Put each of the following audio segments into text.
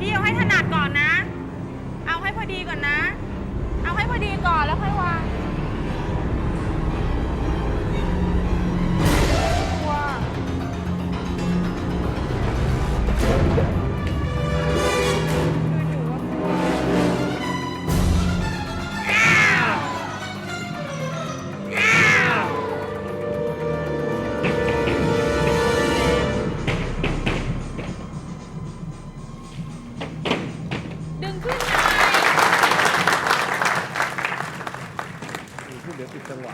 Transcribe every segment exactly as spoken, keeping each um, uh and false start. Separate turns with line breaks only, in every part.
พี่เอาให้ถนัดก่อนนะ เอาให้พอดีก่อนนะ เอาให้พอดีก่อนแล้วค่อยวางว้าดึงขึ้นหน่อย
เดี๋ยวติดจังหวะ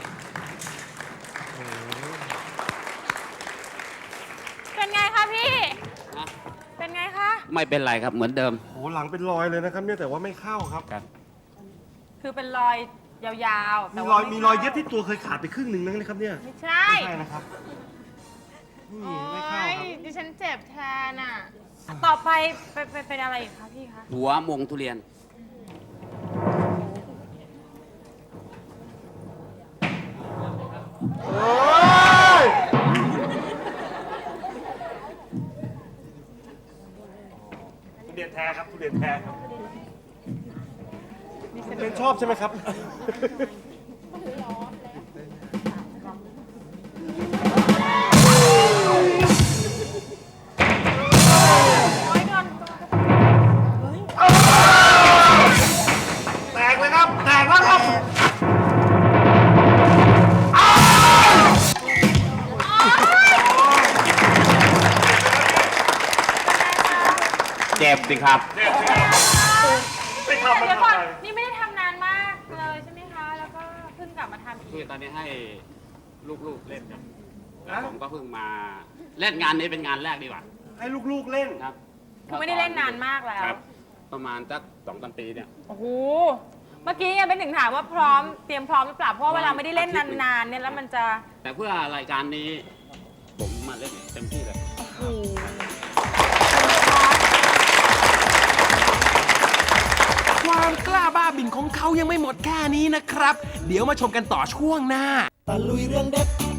เป็นไงคะพี่
นะ
เป็นไงคะ
ไม่เป็นไรครับเหมือนเดิม
โอ้โหหลังเป็นรอยเลยนะครับเนี่ยแต่ว่าไม่เข้าครับ
ครับ
คือเป็นรอยยาวๆ
มี
แต่
ร
ว่า
อย
ไ
มีรอยเย็บที่ตัวเคยขาดไปครึ่งหนึ่งนะครับเนี่ย
ไม่ใช่
ไม่ใช่นะครับนี่
โอ๊
ไม่เข้าย ครับ
ดิฉันเจ็บแทนอ่ะ ต่อไปไปไปเป็นอะไรอีกคะพี่คะ
หัวมงทุเรียน
โอ้ยทุเรียนแท้ครับทุเรียนแท้ครับเป็นชอบใช่ไหมครับ
โอ๊ยโดน
แตกเลยครับ แตกแล้วครับ
เจ็บสิครับ
ไม่ทำมัน
เดี๋ยว
ทำ
ก่อน
ไม
นี่ไม่ได้ทำนานมากเลยใช่ไหมคะ แล้วก็เพิ่งกลับมาทำอี
คือก ตอนนี้ให้ลูกๆเล่นครับ
ฮะ
ผมก็เพิ่งมาเล่นงานนี้เป็นงานแรกดีกว่า
ให้ลูกๆเล่น
ครับ
คือไม่ได้เล่นนานมากแล้ว
ครับ ประมาณสักสองสามปีเนี่ย
โอ้โห เมื่อกี้ยังเป็นถึงถามว่าพร้อม เตรียมพร้อมหรือเปล่า เพราะว่าเวลาไม่ได้เล่นนานๆเนี่ยแล้วมันจะ
แต่เพื่อรายการนี้ ผมมาเล่นเต็มที่เลย
โอ้โห
ความกล้าบ้าบิ่นของเขายังไม่หมดแค่นี้นะครับ เดี๋ยวมาชมกันต่อช่วงหน้า
ตะลุยเรื่องเด็ด